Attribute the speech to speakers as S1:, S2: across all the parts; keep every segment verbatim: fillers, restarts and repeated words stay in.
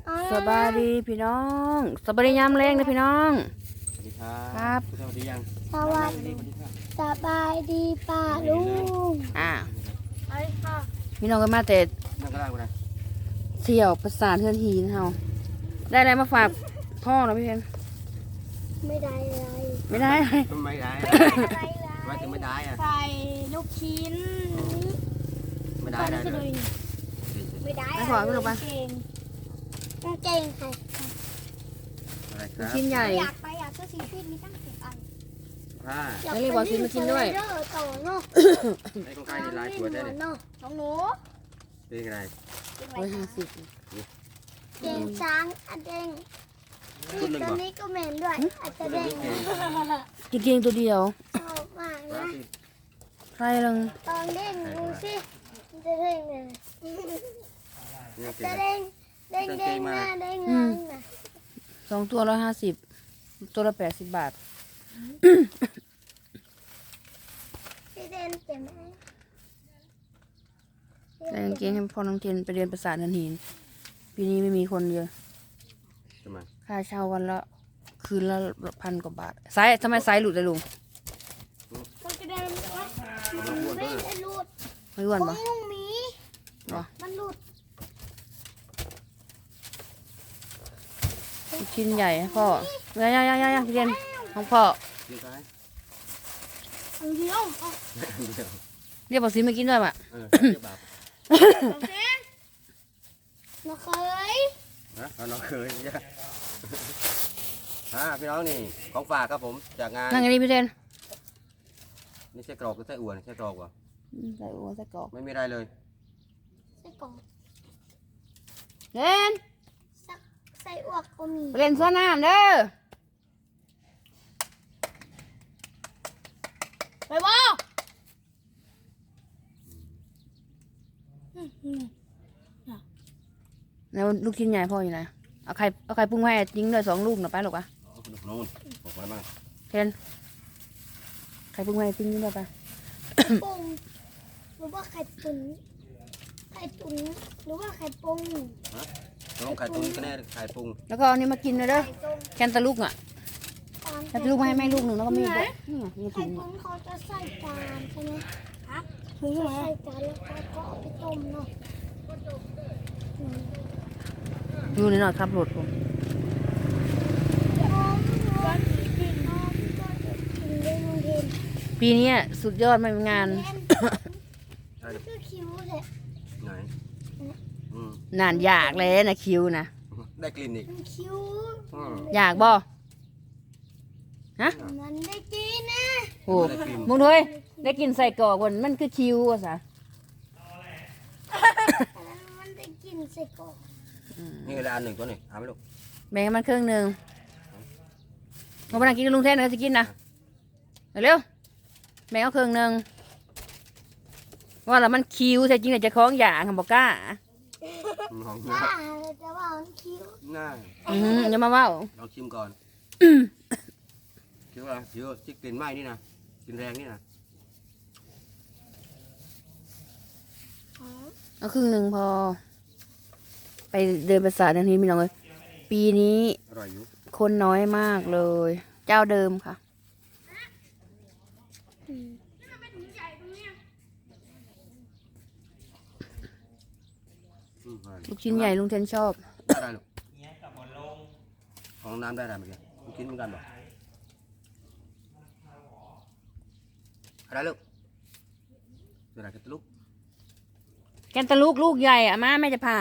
S1: สบายดีพี่น้องสบายดียามแรงนะพี่น้อง
S2: สวัสดีครับ
S1: ครับ
S2: สวัสดียัง
S3: สวัสดีสบายดีป้าลุง
S1: อ่า
S3: ไอ้ค่ะ
S1: พี่น้องก็มาแต่
S2: นั่งก็ได้กูนะ
S1: เที่ยวประสาทเทือนหินเฮาได้อะไรมาฝากพ่อเนาะพี่เพน
S3: ไม่ได้อะไร
S1: ไม่ได้อะไร
S2: ทำไมได้
S3: ไม่ได้อะไรเลย
S2: ทำไมถึงไม่ได้อะ
S3: ใส่ลูกชิ้น
S2: ไม่ได้ได้เลย
S3: ไม่ได้
S1: ไม่ขอไม่ลงไป
S3: เก่งต้องเก่งค่ะ
S2: อะไรค
S1: ลูก
S2: รับ
S1: ชิ้นใหญ่
S3: อยากไปอยากซื้อสีฟิตมีตั้งสิบอัน
S2: ผ้า
S3: อยาก
S1: ไม่รีบบอกซื้อมากินด้วย
S3: เออต่อเนาะ
S2: ไอ้ของใครในลายตัวได้เนี่ย
S3: เนาะน้องหนู
S2: เป็นยังไง
S1: ร้อยห้าสิบ
S3: เก่งช้างอันเด้ง
S2: ชุดหนึ่ง
S3: ตัว
S2: ก่อน
S3: นี้ก็เหม็นด้วยอันจะเด้ง
S1: กินเกียงตัวเดียว
S3: ชอบมากนะ
S1: ใครลัง
S3: ตอนเด้งดูสิมันจะเด้งเลย
S2: นี่เก่
S3: จะ
S2: ง
S3: เด้งเด้งเด้งหน้าเด้งหลังนะ
S1: สองตัวร้อยห้าสิบตัวละแปดสิบบาท
S3: พี่เด่นเจ็บไหม
S1: แต่กางเกงให้พ่อน้องเทนไปเรียนประสาทเทือนหินปีนี้ไม่มีคนเยอะ
S2: ทำไม
S1: ค่าเช่าวันละคืนละพันกว่าบาทไซส์ทำไมไซส์หลุดเลยลุง
S3: มันจะเดินมันไม่ได้หลุด
S1: ไม่อ้วน
S3: ขอ
S1: ปะ
S3: งลุงหมี
S1: เหรอ
S3: มันหลุด
S1: ลูกชิ้นใหญ่ให้พ่อย่าย่าย่าย่าพี่เรียนของพ่อ
S2: กินซ้าย
S3: อันเดียวเอา
S2: เดี๋ยว
S1: เรียกบอกซื้อมากินด้วยปะ
S2: เออเดี๋ยวบาป
S3: สองเส้นมาเคย
S2: นะเราน้องเคยเนี่ยฮะพี่น้องนี่ของฝากครับผมจากงาน
S1: นั่งอย่างนี้พี่เทน
S2: นี่ใช่กรอกหรือไส้อั่วใช่กรอกวะ
S1: ใส่หัวใส่กรอก
S2: ไม่มีอะไรเลย
S3: ใส่กล่อง
S1: เล่น
S3: สักใส่อวกก็มี
S1: ไปเล่นสวนน้ำเด้อ
S3: ไปบ่
S1: แล้วลูกชิ้นใหญ่พ่ออยู่ไหนเอาไข่เอาไข่ปรุงให้ยิงด้วยสองลูกหน่อยไปหรอกปะ
S2: เอาขนมนู่นบอกไว้บ้าง
S1: เทนไข่ปรุงให้ทิ้งด้วยปะ
S3: ปุ้งหรือว่าไข่ตุ๋นไข่ตุ๋นหรือว่าไข่ปุ้ง
S2: ลองไข่ตุ้งก็แน่ไข่ปรุง
S1: แล้วก็เอานี้มากินเลยเด้อ
S3: ไข่ต้ม
S1: แคนตาลูกอ่ะ
S3: ตอน
S1: แคนตาลูกมาให้แม่ลูกหนึ่งแล้วก็มีด้วยนี่ไงมี
S3: ไข่
S1: ถุง
S3: ตุ๋นเขาจะใส่จานใช่ไหมครับถึงใส่จานแล้วก็ก็เอาไปต้มเนาะ
S1: ดูหน่อยครับรถผม ปีนี้สุดยอดมากงาน
S2: ใช่
S3: คือคิ้วเลย
S2: ไหนอืม
S1: นานอยากเลยนะคิวนะ
S2: ได้กลิ่นอีก
S3: มันคิ้ว
S2: อืม
S1: อยากบ่ฮะ
S3: มันได้กินนะ
S1: โอ้มึงด้วยได้กินใส่กรอกวันมันคือคิวอ่ะสะ
S3: มันได้กินใส่กรอก
S2: นี่เลยอันหนึ่งตัวหนึ่งเอาไหมลูก
S1: แบ่งให้มันครึ่งหนึ่งมาไปนั่งกินกับลุงเทนนะจะกินนะเร็วๆแบ่งเอาครึ่งหนึ่งว่าแล้วมันคิวแต่จริงแต่จะคล้องอย่างค่ะบอกกล้า
S2: ลอง
S3: ถ้าจะว่ามันคิ้ว
S2: น่า
S1: อืมอย่ามาเว่า
S2: ลองชิมก่อนคิดว่าคิดว่าที่กลิ่นไหม้นี่นะกลิ่นแรงนี่นะ
S1: เอาครึ่งหนึ่งพอ ไปเดินประสาททันทีมีน้องเลยปีนี้
S2: อร่อยอยู่
S1: คนน้อยมากเลย เจ้าเดิมค่ะ
S2: อืมอร่อย
S1: ลูกชิ้นใหญ่ลุงเทนชอบ
S2: ได้ได้ลูกของน้ำได้ได้เมื่อกี้ลูกชิ้นเหมือนกันบ่อะไรลูกเดี๋ยวอะไรกันลูก
S1: แกนตะลูกลูกใหญ่อะมาแม่จะพา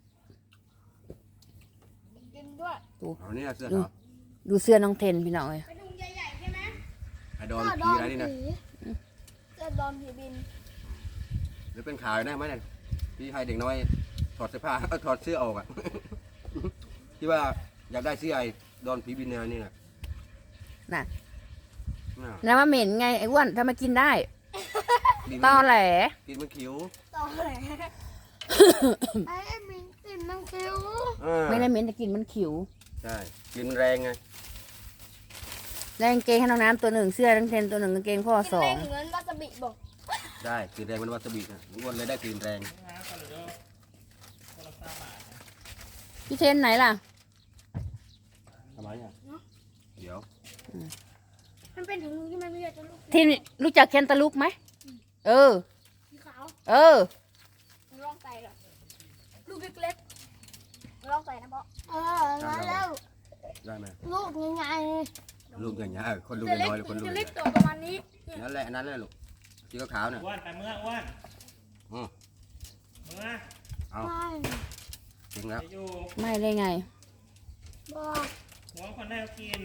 S3: กินด้วย
S2: เอานี่นะเสื้อเหรอ
S1: ดูเสื้อน้องเทนพี่น้องเลย
S3: ไปดูใหญ่ๆใช่ไหม
S2: ไอ้ดอนผีอะไรนี่นะ
S3: จะดอนผีบิน
S2: หรือเป็นข่าวได้ไหมเนี่ยที่ให้เด็กน้อยถอดเสื้อผ้า เอ้ยถอดเสื้อออกอ่ะ ที่ว่าอยากได้เสื้อไอ้ดอนผีบินแนวนี่นะ
S1: น่ะ
S2: น่ะ
S1: แล้วมาเหม็นไงไอ้อ้วนถ้ามากินได้
S2: กิน
S1: ตอ
S2: มัน
S1: แหล
S2: กินมันคิ้ว
S3: ต่อเลยไอ้มินกินน้ำคิ้ว
S2: เออ
S1: ไม่ได้เหม็นแต่กินมันขิว
S2: ใช่กินมันแรงไง
S1: แล้วกางเกงให้น้องน้ำตัวหนึ่งเสื้อน้องเทนตัวหนึ่งกางเกงพ่อสอง
S3: เหมือนวาซาบิบอก
S2: ได้กลิ่นแรงมันวาซาบินะอ้วนเลยได้กลิ่นแรง
S1: พี่เทนไหนล่ะ
S2: ทำไมอ่ะเดี๋ยว
S3: มันเป็นถุงที่มันไม่อยากจะลูก
S1: ที่รู้จักแคนตาลูกไหมเออ
S3: สีขาว
S1: เออ
S3: มันลองใส่หรอลูกเล็กๆลองใส่นะพ่อเออแล้ว
S2: ได้ไหม
S3: ลูกยังไง
S2: ลูกอย่างเงี้ยคนลูก
S3: จะเล็ก
S2: น้อยๆคนลูก
S3: จะ
S2: ให
S3: เล็
S2: ญ่
S3: กตัวประมาณนี้
S2: นั่นแหละนั่นแหละลูกสีขาวๆน่ะ
S4: อ้วนไปเมื่ออ้วน
S2: อืม
S4: เมื่อ
S2: เอา
S3: ไม่
S2: จริงแล้ว
S4: จะอยู่
S1: ไม่เลยไง
S3: บอก
S4: หัวคนแรกกิน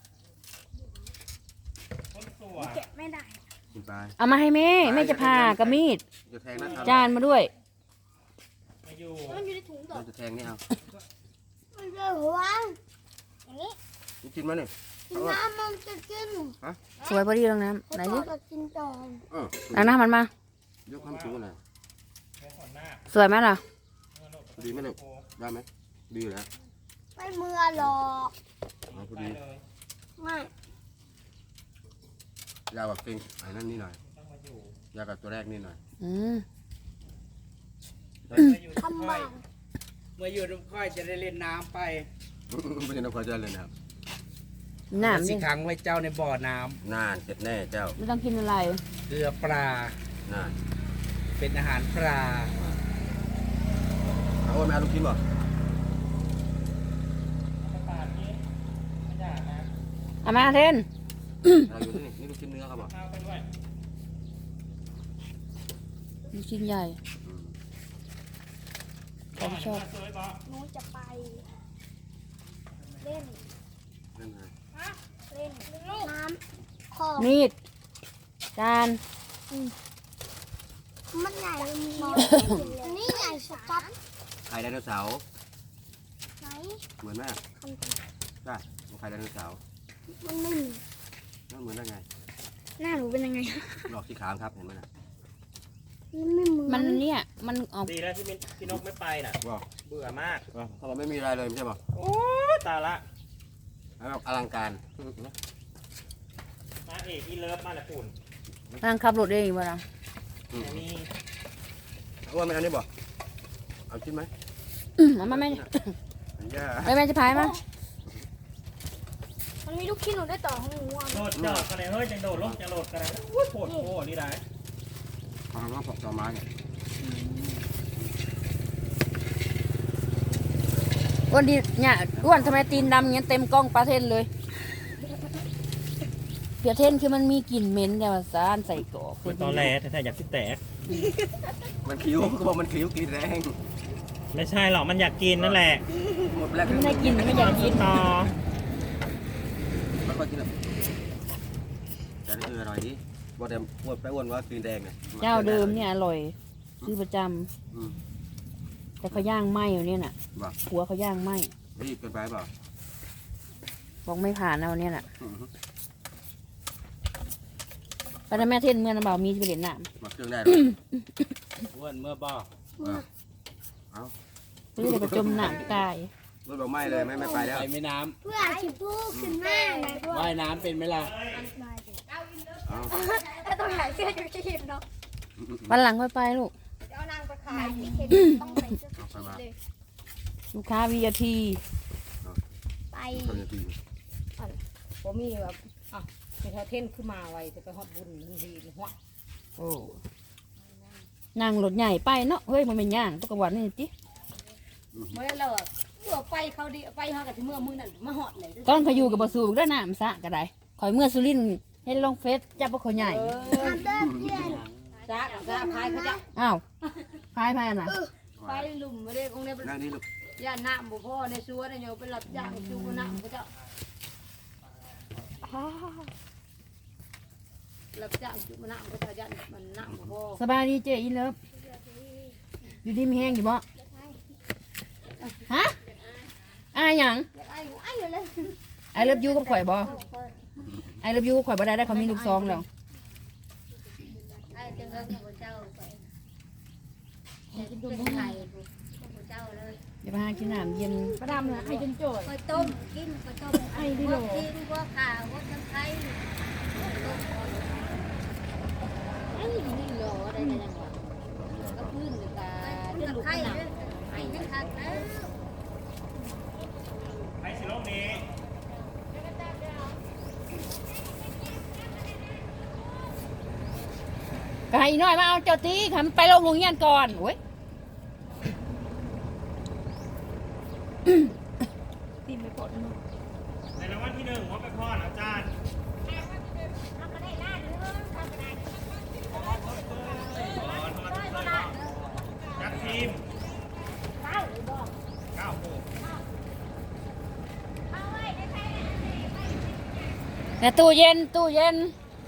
S4: คนสวย
S3: เก็บไม่ได้
S2: กินไป
S1: เอามาให้แม่แม่จะพากระมีด
S2: จะแทงนะ
S1: จานมาด้วย
S4: มาอยู่
S3: มันอยู่ในถุงต่อ
S2: เราจะแทงนี่เอา
S3: มันจะหัวอย่างนี้
S2: นี่กินมาเนี่ย
S3: กินน้ำมันจะกิน
S1: สวยพอดีตรงน้ำไหน
S3: พ่
S1: ดิ
S3: อจะกินต่อ
S2: เออ
S1: เอาน้ำมันมา
S2: ยกความสูงหน่อย
S4: หัวขนหน้า
S1: สวยไหมล่ะ
S4: เมื่อโลก
S2: ดีไหมลูกได้ไหมดีอยู่แล้ว
S3: ไม่เมื่อหรอก
S2: เอาพอ
S4: ไป
S2: ดี
S4: เลย
S3: ไม่
S2: ยาวกับเต็งไอ้นั่นนี่หน่อย
S4: ต้องมาอยู่
S2: ยาวกับตัวแรกนี่หน่อย
S1: อืม
S4: มาอยู่
S3: ทำ
S4: ค่
S3: บา
S4: อย
S3: ง
S5: เมื่ออยู่น้ำค่อยจะได้เล่นน้ำไป
S2: ไม่ใช่นักพอใจเลยนะครับ
S1: น้ำ
S5: สิ
S1: ดิ
S5: ขังไว้เจ้าในบ่อน้
S2: นานเสร็จแน่เจ้า
S1: ไม่ต้องกินอะไร
S5: ำเกลือปลา
S2: นาน
S5: เป็นอาหารปลา
S2: เอาโอ้ยแม่เอาลูกชิ้นบ่
S4: ประกาศนี้ไม่อยากนะ
S1: เอามาเทน
S2: เราอยู่ที่นี่นี่ลูกชิ้นเนื้อครับบ่
S4: ข้าวไปด้วย
S1: ลูกชิ้นใหญ่
S2: อืม
S1: ผมชอบ
S4: สวยบอก
S3: หนูจะไป เล่น
S2: นั่นไง
S3: เล่นน้ำของ
S1: มีด จาน
S3: มันใหญ่มีอันนี้ใหญ่สก๊อต
S2: ไข่ไดโนเสาร์
S3: ไหน
S2: เหมือนไหม
S3: คัน
S2: ได้ไข่ไดโนเสาร์
S3: มันไม่มี
S2: นั่นเหมือนได้ไง
S3: หน้าหนูเป็นยังไง
S2: หลอกสีขาวครับเห็นไหมนะ
S3: มันไม่เหมือน
S1: มันเนี่ย มันออก
S4: ดีแล้วที่มินพี่นกไม่ไปน่ะ
S2: บ่
S4: เบื่อมาก
S2: ถ้าเราไม่มีอะไรเลยไม่ใช่บ่
S4: โอ้ยตายละ
S2: แล้วแบบอลังการ
S4: มาเอกอีเลิฟมาแหละปุ่น
S1: นั่งขับรถเองบ่ล่ะ
S2: อืม
S4: แต่นี่
S2: เอาว่าไม่เอานี่บ่เอาชิ้นไหม
S1: อืมเอามาแม่
S2: อันย่า
S1: ไปแม่จะพายมา
S3: มันมีลูกชิ้นหนูได้ต่อของหนูอ่ะ
S4: โดดจอดกันเลยเฮ้ยจังโดดลงจังโดดกันเลยโอ้ยโผล่โผล่นี่ได้
S2: ฟังว่าปอกต่อไม้เนี่ย
S1: อ้วนดีเนี่ยอ้วนทำไมตีนดำเงี้ยเต็มกล้องปลาเทนเลยเปียเทนคือมันมีกลิ่นเหม็นแต่ว่าสารใส่กรอก
S4: คือตอนแรกแต่อยากสิแตก
S2: มันคิ้วเขาบอกมันคิ้วกินแรง
S4: ไม่ใช่หรอกมันอยากกินนั่นแหละ
S2: หมดแรก
S1: ไม่ได้กินไม่อยากกิน
S4: ต่อ
S2: มันก็กินแบบแต่นี่คืออร่อยดีบ่แต่อ้วนไปอ้วนว่ากินแดงไง
S1: เจ้าเดิมเนี่ยอร่อยซื้อประจ
S2: อืม
S1: ำแต่เขาย่างไหมอยู่เนี่ยน่ะ
S2: บ่
S1: หัวเขาย่างไหม
S2: รีบเกินไปเปล่า
S1: บอกไม่ผ่านเอาเนี่ยน่ะ
S2: อืม
S1: ไปนะแม่เทนเมื่อน้ำเบามีไปเล่นน้
S2: มาเครื่องได้หรอ
S5: อ้วนเมื่อบ่
S2: เอา
S1: ำเพื่อจะไปจมน้ำตาย
S2: รถบอกไม่เลยไม่ไม่ไปแล้ว
S5: ไปไม่น้
S3: เพื่อชิพูขึ้นหน้าไงด้วย
S5: ำว่ายน้ำเป็นไหมล่ะ
S2: เอา
S3: แล้วต้องถ่ายเสื้อชูชีพเนาะ
S1: วันหลังค่อยไปลูก
S3: เดี๋ยวเอานางไปขายพี่เคนต้องใส่เสื้อชูชีพเลย
S1: ลูกค้าวีไอพี
S3: ไป
S2: คนจะกิน
S6: ผมมีแบบอ่ะไปเท่าเท่นขึ้นมาไว้จะไปฮอดบุญทันทีเลยหัว
S1: โอ้นั่งรถใหญ่ไปเนาะเฮ้ยมันเป็นย่างตุกวันนี่จิ
S6: เมื่อเราอะเมื่อไปเขาดีไปเขากับที่เมื่อมือนั่นมาฮอดเลย
S1: ตอนเขาอยู่กับบสูบด้วยน้ำสะก็ได้คอยเมื่อสุรินทร์ให้ลงเฟซจับพวกเขาใหญ่
S6: เออ
S3: ทำเด้อเพื่อน
S6: จ้าจ้าพายเขาจะ
S1: อ้าวพายพายน่ะ
S6: ไปหลุมไม่ได้คงได้
S2: นั่งนี่ลูก
S6: ย่าน้ำบุพ่อในสวนเนี่ยไปหลับย่างจูบน้ำเขาจะหลับย่างจูบน้ำเขาจะย่านมันน้ำบุพ่อ
S1: สบายดีเจอินเลิฟอยู่ดีมีแห้งอยู่บ่ฮะอายหยัง
S3: ไอ้ไอ้เลย
S1: ไอเลิฟยูกับข่อยบ่ไอเลิฟยูกับข่อยบ่ได้ได้เขามีลูกซองแล้ว
S3: ไอ้จังเลยพระเจ้าไปเป็นไข่พระเจ้าเลย
S1: เดี๋ยวไปหากินน้ำเย็น
S6: ประดำนะไอ้จนโจย
S3: ไปต้มกินไปต้มไอ้ดิโลกินพวกข่าวพวกน้ำไข่ต้มไอ้นี่โลอะไรกันยังวะ
S6: ก็พื้นหรือตา
S3: ไอ้
S6: เจ้าลูก
S3: ไข่
S6: หนัก
S3: ไอ้ยังขาดแล้ว
S1: ก็ให้อีน้อยมาเอาเจ้าตีทำไปลงโรงเรียนก่อนโอ้ย
S6: ตีไม่ปลดเนาะ
S4: ในรางวัลที่หนึ่งว่าไปพ่ออาจารย์ยักษ์ทีมเก้าโมง
S1: เนี่ยตู้เย็นตู้เย็น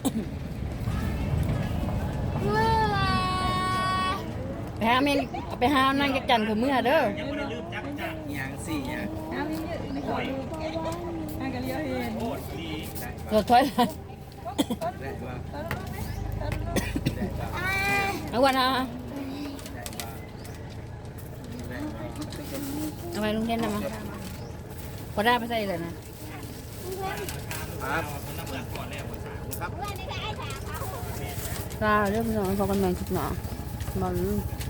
S1: ไปหาเมนเอาไปหานั่งจักจันคือเมื่อเด้อ
S4: ยังไม่ได้ลืมจักรจักร
S5: อย่างสี่อย่าง
S4: โอ้ยโคตรดี
S1: รถถอยหลัง
S5: ได้มา
S1: เอาวันนะ
S5: ได้มาได้มา
S1: เอาไปลุงเทนนะมาพอได้ไปใส่เลยนะ
S2: ครับ
S4: คนละเมื่อก่อนแล้วภาษา
S2: ครับ
S1: ก็เรื่องน้องพอกันแมงคิดหนอมัน